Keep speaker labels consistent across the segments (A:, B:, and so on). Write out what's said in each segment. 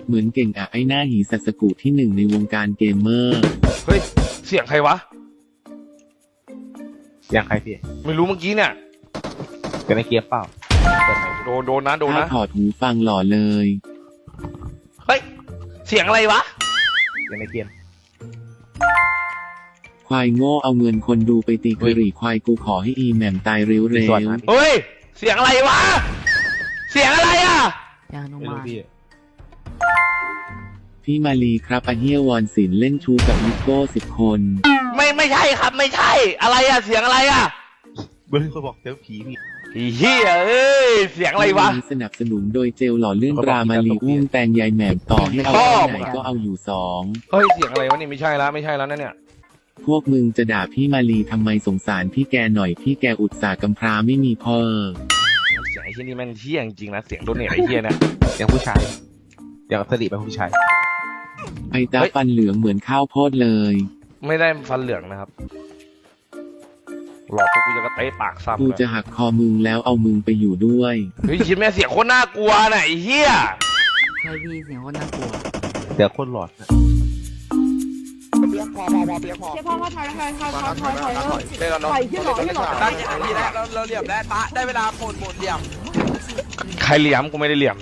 A: เหมือนเก่งอะไอ้หน้าหีสัสกุที่1ในวงการเกมเมอร์
B: เฮ้ยเสียงใครวะ
C: อย่างใครพี่
B: ไม่รู้เมื่อกี้เนี่ย
C: เป็นในเกียร์เปล่า
B: โดนนะ
A: ถ้าถอดหูฟังหล่อเลย
B: เฮ้ยเสียงอะไรวะ
C: อย่างในเกม
A: ควายโง่เอาเงินคนดูไปตีกระหรี่ควายกูขอให้อีแหม่มตายเร็ว
B: เฮ้ยเสียงอะไรวะเสียงอะไรอ่ะ
C: ไม่รู้
A: พี่มาลีครับอาเฮียวอนศิลป์เล่นชูกับนิโก้10 คน
B: ไม่ใช่ครับไม่ใช่อะไรอ่ะเสียงอะไรอ่ะ
C: เบิ้ลเขาบอกเจอผีพี่
B: เฮียเอ้ยเสียงอะไรวะ
A: สนับสนุนโดยเจลหล่อลื่นตรามาลีอุ้มแตงยายแหม่มต่อให้เอาไหนก็เอาอยู่2
B: เฮ้ยเสียงอะไรวะนี่ไม่ใช่แล้วนั่นเนี่ย
A: พวกมึงจะด่าพี่มาลีทำไมสงสารพี่แกหน่อยพี่แกอุตส่าห์กำพร้าไม่มีพ่อ
B: เสียงไอ้ที่นี่มันเที่ยงจริงนะเสียงโดนเนี่ยไอ้เที่ยนะ
C: อย่างผู้ชายอย่างสลิปเป็นผู้ชาย
A: ไอ้ตาฟันเหลืองเหมือนข้าวโพดเลย
B: ไม่ได้ฟันเหลืองนะครับหลอกพวกกูจะกระเตะปากซ้ำ
A: กูจะหักคอมึงแล้วเอามึงไปอยู่ด้วย
B: เฮ้ยคิดแม่เสียงโคตรน่ากลัวน่ะไอ้เหี้ย
D: ใช่พี่เสียงโคตรน่ากลัว
C: เสียงโคตรหลอดนะ
E: เปียกพอเปียกพอถอยเล่นแล้วเนาะตั้งใจดีแล้วเราเหลี่ยมแล้วปะได้เวลาหมดเหลี่ยม
B: ใครเหลี่ยมกูไม่ได้เหลี่ยม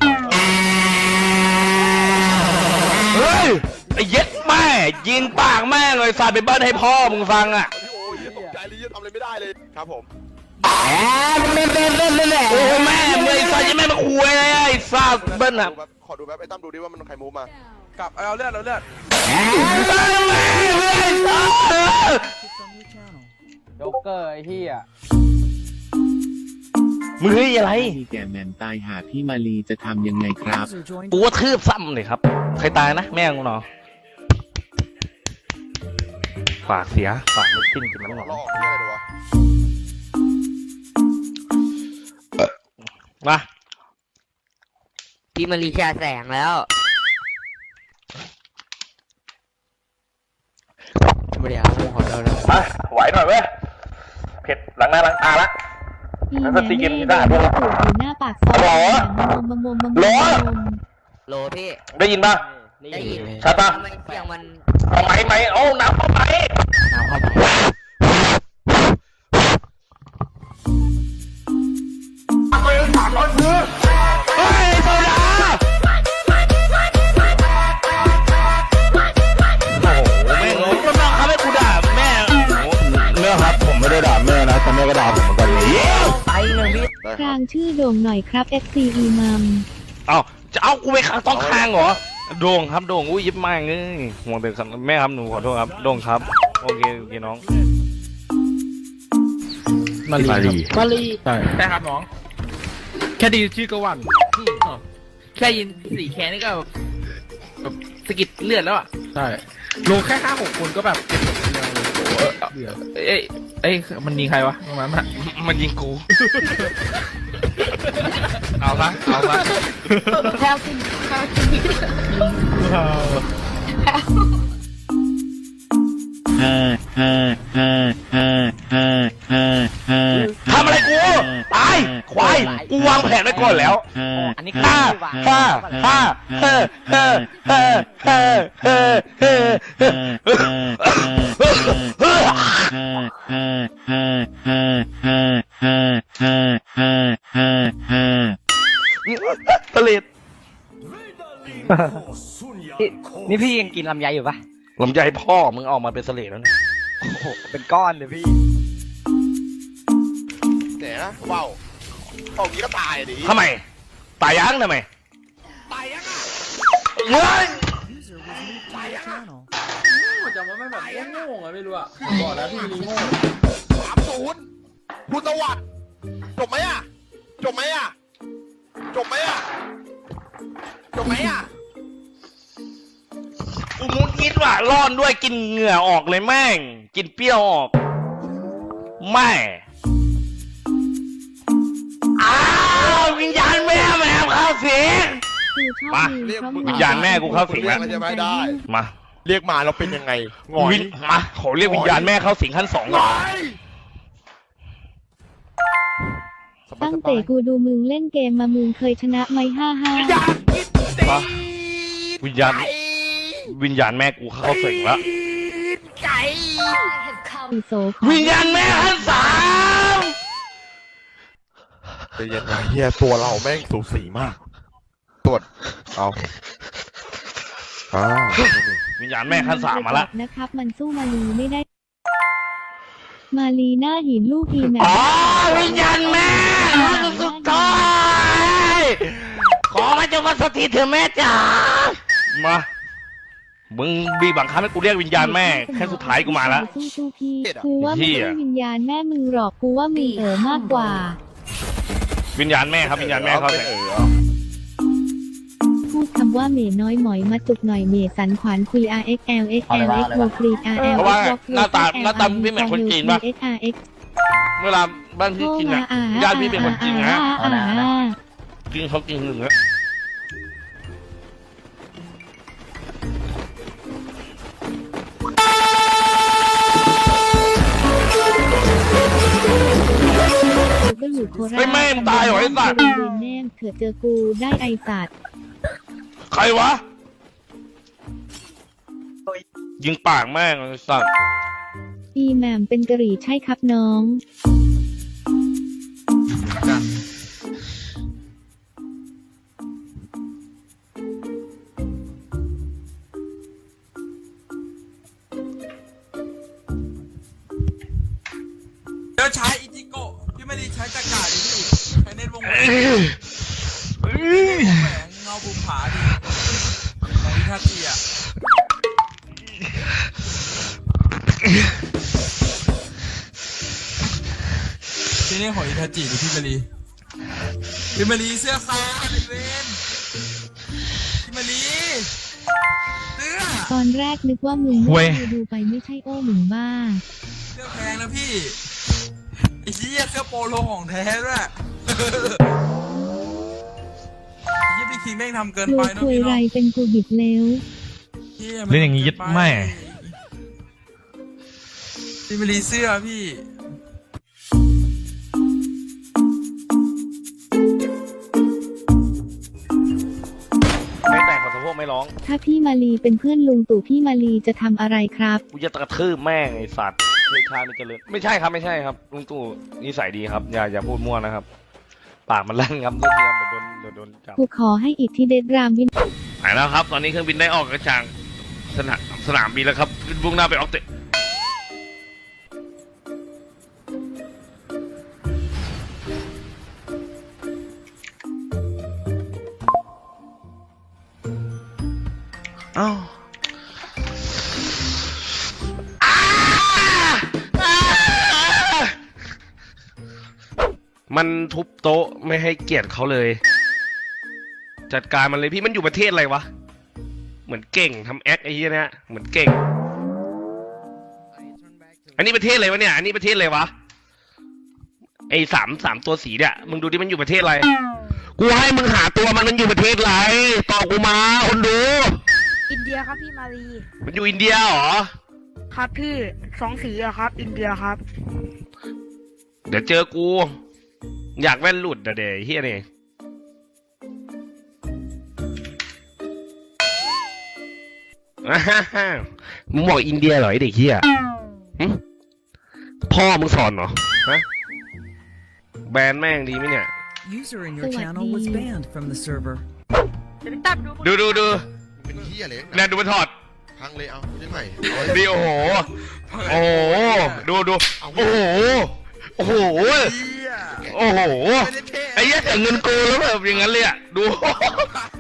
B: เฮ้ยไอ้เย็ดแม่ยิงปากแม่เลยสาดไปเบิ้ลให้พ่อมึงฟังอ่ะ
E: ตกใจเลยทำอะไรไม่ได้เลยครับผม
B: โอ้แม่เมื่อไอ้สัตว์ยังแม่มาคุยเลยไอ้สัตว์เบิ้ลอ่ะ
E: ขอดูแบบไอ้ตั้มดูดิว่ามันใครมูฟมากับเอาเลือด
D: โจ๊กเกอร์ไอ้เหี้ย
B: มึงเฮ้ยอะไร
A: พี่แกแมนตายหาพี่มาลีจะทำยังไงครับ
B: กูว่าทืบซ้ำเลยครับใครตายนะแม่งกูเนาะฝากเสียฝากไม่กินกินมันหรอกมา
D: พี่มารีชาแสงแล้วไม่ได้เอาพวกขอเราแล้ว
B: มาไหวหน่อยเว้ยเผ็ดหลังหน้าหลังตาละ
F: นั่นสติกินได้ด้วยอยู่หน้าปากซอย
B: หรอ
D: โลพี่
B: ได้ยินป่ะ
D: ได้ยิน
B: ชัดป่ะ
D: เสียงมัน
B: เอาไหมโอ้น้ำเข้าไปเฮ้ยโซดาโอ้โหแม่งก็น้องเขาให้กูด่าแม่เนื้อครับผมไม่ได้ด่าแม่นะแต่แม่ก็ด่าผมเหมือนกัน
D: ไปเลยพี่
F: กลางชื่อโด่งหน่อยครับ FC อีมัม
B: เอาจะเอากูไปต้องค้างเหรอโด่งครับโด่งอุ้ยยิบมากเลยห่วงแต่แม่ครับหนูขอโทษครับโด่งครับโอเคน้อง
G: มาลีใช่ครับน้องแค่ดีชื่อก็วันแค่ยิน4แค่นี่ก็แบบสกิดเลือดแล้วอ่ะใช่ลงแค่5-6 คนก็แบบเอ้ยมันยิงใครวะตรงนั้นอ่ะ
B: มันยิงกูเอาซะ
D: แค่กิน
B: ทำอะไรกูตายควายกูวางแผนไว้ก่อนแล้ว
D: อันนี้
B: ฆ่าผลิต
D: นี่พี่ยังกินลำไยอยู่ปะ
B: ลำไยพ่อมึงออกมาเป็นเสลดแล้วนะ
D: โอ้โหเป็นก้อนเลยพี่
E: เดี๋ยวนะว้าวออกนี้ก็ตายดิ
B: ทำไมตายยังทำไม
E: ตายยังอ่ะ
B: เฮ้ย
E: ตายยังอ่ะ
G: จำว่าไม่แบบโง่ๆไม่รู้อ่ะบอกแล้วพี่มีโง่
E: 3-0พุทธวัตรจบไหมอ่ะ
B: กูมุดคิดว่าร้อนด้วยกินเหงื่อออกเลยแม่งกินเปรี้ยวออกแม่วิญญาณแม่เข้าสิงมาวิญญาณแม่กูเข้าสิงแล้ว
E: จะไม่ได้
B: มา
E: เรียกมาเราเป็นยังไง
B: มาขอเรียกวิญญาณแม่เข้าสิงขั้น2ก่อน
F: ตั้งแต่กูดูมึงเล่นเกมมามึงเคยชนะไหม55
E: อยากกินตีน
B: วิญญาณแม่กูเข้าสิงแล้ว
F: โซขอ
B: วิญญาณแม่ขั้นสาม
E: ใจเย็นนะเฮียตัวเราแม่งสูสีมากตรวจเอา
B: วิญญาณแม่ขั้นสามมาละ
F: นะครับ มันสู้มาลีไม่ได้ มาลีหน้าหินลูกอีแม
B: อ๋อวิญญาณแม่ขั้นสุดท้ายขอมาจงมาสถิตเถอะแม่จ๋ามามึงบีบังคับให้กูเรียกวิญญาณแม่แค่สุดท้ายกูมาละ
F: สู้พี่กูว่าไม่ใช่วิญญาณแม่มึงหรอกกูว่ามึงมากกว่า
B: วิญญาณแม่ครับวิญญาณแม่เข้าสิง
F: พูดคำว่าเมน้อยหมอยมาจุกหน่อยเมสันขวานคุย RXLXLX โมกรีด RL
B: เพราะว่าหน้าตาพี่เหมือนคนจีนปะ
F: SRX
B: เวลาบ้านพี่กินอ่ะญาติพี่เป็นคนจีนนะกินเขากินหนึ่งแล้ว
F: ก็อยู่โคราช
B: ไม่แม่งตายเหรอไอ้สัตว์
F: แม่เผื่อเจอกูได้ไอสัตว์
B: ใครวะยิงปากแม่งไอ้สัตว์
F: อีแหม่มเป็นกะหรี่ใช่ครับน้อง
E: เดี๋ยวใช้อิจิโกะพี่ไม่ได้ใช้ตะกร้าดิพี่ใช้เน็ตวงแหวนเงาบุมผาดิของอิทาจิอ่ะที่นี่ของอิทาจิหรือพี่มารีเสื้อขาวไอเวนพี่มารีเสื้อ
F: ตอนแรกนึกว่ามึงดูไปไม่ใช่โอ้มึงบ้า
E: เสื้อแพงนะพี่ไอ้เหี้ยเสื้อโปโลของแท้ด้วยไอ้เหี้ยพี่คิงแม่งทำเกิน
F: ร
E: ไป
F: วย
E: นะ
F: คุย
E: พี่
F: ไร
E: เนาะ
F: เป็นกูบิดเร็ว
B: เล่นอย่างงี้ยึดแม่
E: พี่มารีเสื้อพี่
B: ไม่แต่งขอสะโพกไม่ร้อง
F: ถ้าพี่มาลีเป็นเพื่อนลุงตู่พี่มาลีจะทำอะไรครับ
B: กูจะกระทืบแม่งไอ้สัตว์เลือดชาติเจริญไม่ใช่ครับไม่ใช่ครับลุงตู่นิสัยดีครับอย่าพูดมั่วนะครับปากมันลั่นครับเรื่องเดี๋ยวโดนจับ
F: กูขอให้อิทธิเดชรามวิน
B: หายแล้วครับตอนนี้เครื่องบินได้ออกกระจางสนามบินแล้วครับมุ่งหน้าไปออกเตะอ้าวมันทุบโต๊ะไม่ให้เกียรติเขาเลย จัดการมันเลยพี่มันอยู่ประเทศอะไรวะเหมือนเก่งทำแอคไอ้เหี้ยเนี่ยเหมือนเก่งอันนี้ประเทศอะไรวะเนี่ยอันนี้ประเทศอะไรวะไอ้สามตัวสีเนี่ยมึงดูดิมันอยู่ประเทศอะไรกูให้มึงหาตัวมันอยู่ประเทศอะไรตอบกูมาคนดู
H: อินเดียครับพี่มารี
B: มันอยู่อินเดียเหรอ
H: ครับพี่สองสีอะครับ อินเดียครับ
B: เดี๋ยวเจอกูอยากแว่นหลุดเดี๋ยวเฮียนี่มึงบอกอินเดียเหรอไอเด็กเฮียพ่อมึงสอนเหรอฮะแบนแม่งดีไหมเนี่ย
I: User in your channel was banned from the server.
B: ดู
J: เป็นเหี้ยเล็ก
B: แน่ดูมันถอด
J: พังเลยเอาได้ใหม่
B: ดีโอ้โหดูโอ้โหโอ้โหไอ้เหี้ยแต่เงินกูแล้วแบบอย่างนั้นเลยอ่ะดู